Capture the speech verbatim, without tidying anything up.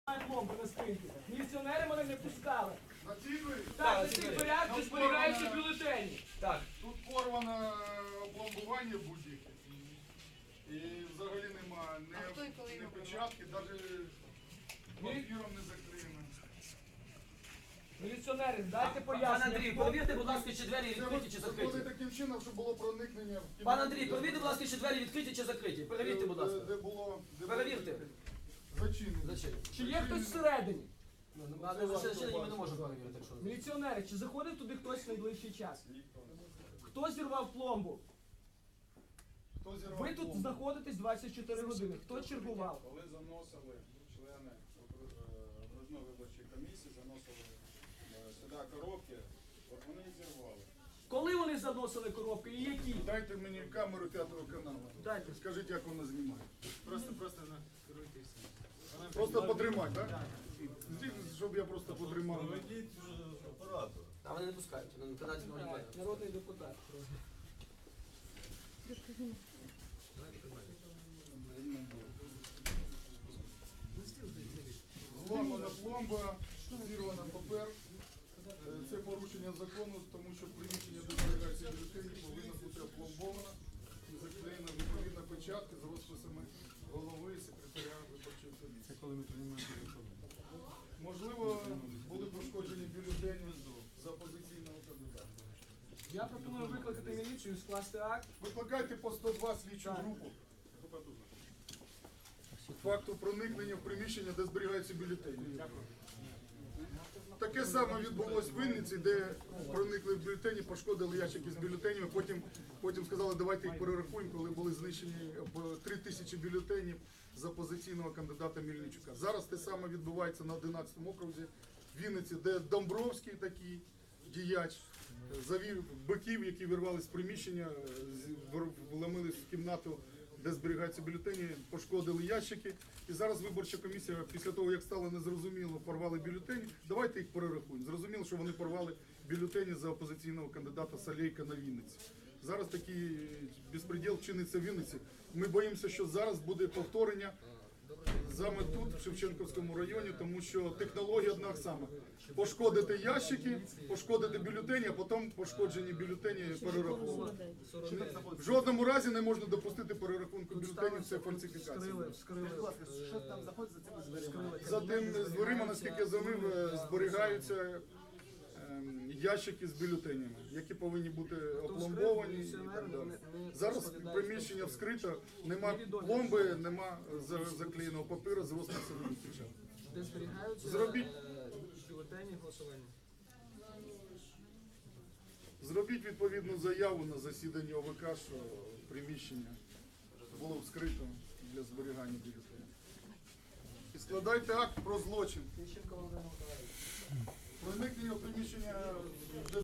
Пломби на спинці. Міліціонери мене не пускали. На цій двері? Так, на цих дверях де зберігаються бюлетені. Так. Тут порване опломбування будь-яке. І взагалі нема А хто і коли ні його печатки, навіть папіром не закриємо. Міліціонери, дайте Пане пояснення. Андрій, перевірте, будь ласка, чи двері відкриті чи Це виходить закриті. таким чином, щоб було проникнення в кімнату. Пане Андрій, перевірте, будь ласка, чи двері відкриті чи закриті. Перевірте, будь ласка. Де, де було... Де Перевірте. було зачинено. Зачем? Чи є хтось всередині? На зачинені ми не можемо перевірити, якщо. Міліціонери, чи заходив туди хтось в найближчий час? Хто зірвав пломбу? Хто зірвав Ви тут пломбу? знаходитесь двадцять чотири години. Хто чергував? Коли заносили члени окру- окружної виборчої комісії, заносили е, сюди коробки, от вони і зірвали. Коли вони заносили коробки і які? Дайте мені камеру п'ятого каналу. Дайте. Скажіть, як вона знімає. Просто, просто накеруйте все. Просто потримати, так? Здійсніть, щоб я просто потримав. Проведіть оператор. А вони не пускають, на канаді не Так, народний депутат. Зламана пломба, зірвана папер. Е, Це порушення закону, тому що приміщення, де зберігається бюлетені, повинно бути опломбовано і заклеєна відповідна печатка з розписами голови і секретаря виборчої комісії. Це коли ми приймаємо рішення. Можливо, були пошкоджені бюлетені за опозиційного кандидата. Я пропоную викликати міліцію, скласти акт. Викликайте по сто два слідчу Так. групу. Факту проникнення в приміщення, де зберігаються бюлетені. Таке саме відбулося в Вінниці, де проникли в бюлетені, пошкодили ящики з бюлетенями, потім, потім сказали, давайте їх перерахуємо, коли були знищені три тисячі бюлетенів з опозиційного кандидата Мельничука. Зараз те саме відбувається на одинадцятому окрузі в Вінниці, де Домбровський такий діяч завів биків, які вирвали з приміщення, з- вор- вломились в кімнату, де зберігаються бюлетені, пошкодили ящики. І зараз виборча комісія, після того, як стало незрозуміло, порвали бюлетені, давайте їх перерахуємо. Зрозуміло, що вони порвали бюлетені за опозиційного кандидата Салейка на Вінниці. Зараз такий безпреділ чиниться в Вінниці. Ми боїмося, що зараз буде повторення саме тут, в Шевченківському районі, тому що технологія одна сама. Пошкодити ящики, пошкодити бюлетені, а потім пошкоджені бюлетені перераховувати. В жодному разі не можна допустити перерахунку бюлетенів, це фальсифікація. Вскрили, вскрили. Що там знаходиться за цими дверима? За тим з дверима, наскільки я завив, е, зберігаються ем, ящики з бюлетенями, які повинні бути опломбовані і так далі. Зараз приміщення вскрито, нема пломби, нема за- заклеєного папіру з розписами печатками. Де зберігаються Зробіть. е, бюлетені голосування. Зробіть відповідну заяву на засіданні О В К, що приміщення було вскрито для зберігання бюлетенів. І складайте акт про злочин. Проникнення в приміщення, де